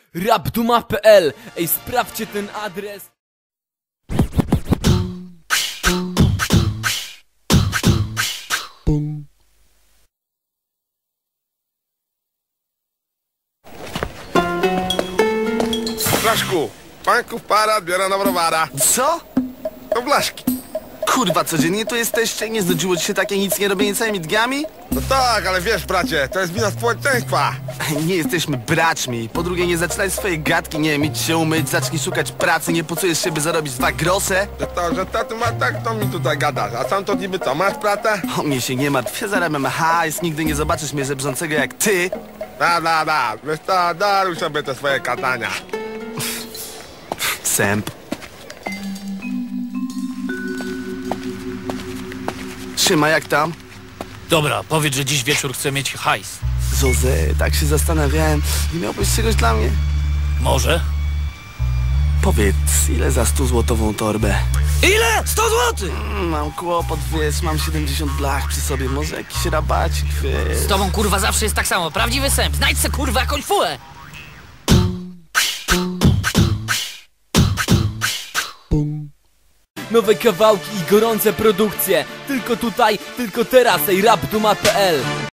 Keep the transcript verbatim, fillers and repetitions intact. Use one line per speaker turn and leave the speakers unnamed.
rapduma kropka p l. Ej, sprawdźcie ten adres.
Blaszku, panków para biorę na browara.
Co?
To Blaszki.
Kurwa, codziennie tu jesteście? Nie znudziło ci się takie nic nie robienie całymi dniami?
No tak, ale wiesz, bracie, to jest wina społeczeństwa.
Nie jesteśmy braćmi. Po drugie, nie zaczynaj swojej gadki, nie wiem, idź się umyć, zacznij szukać pracy, nie pocujesz się, by zarobić dwa grosze?
Że to, że to ty masz tak, to mi tutaj gadasz. A sam to niby co, masz pracę?
O mnie się nie martw, ja zarabiam hajs, nigdy nie zobaczysz mnie żebrzącego jak ty.
Da, da, da, wiesz to, daruj sobie te swoje katania.
Sęp. Trzyma, jak tam?
Dobra, powiedz, że dziś wieczór chcę mieć hajs.
Zoze, tak się zastanawiałem, nie miałbyś czegoś dla mnie?
Może?
Powiedz, ile za stuzłotową torbę?
Ile? sto złotych!
Mm, Mam kłopot, wiesz, mam siedemdziesiąt blach przy sobie, może jakiś rabacik, wiesz.
Z tobą kurwa zawsze jest tak samo, prawdziwy sęp. Znajdź se kurwa jakąś fułę.
Nowe kawałki i gorące produkcje. Tylko tutaj, tylko teraz. Ej, rapduma kropka p l.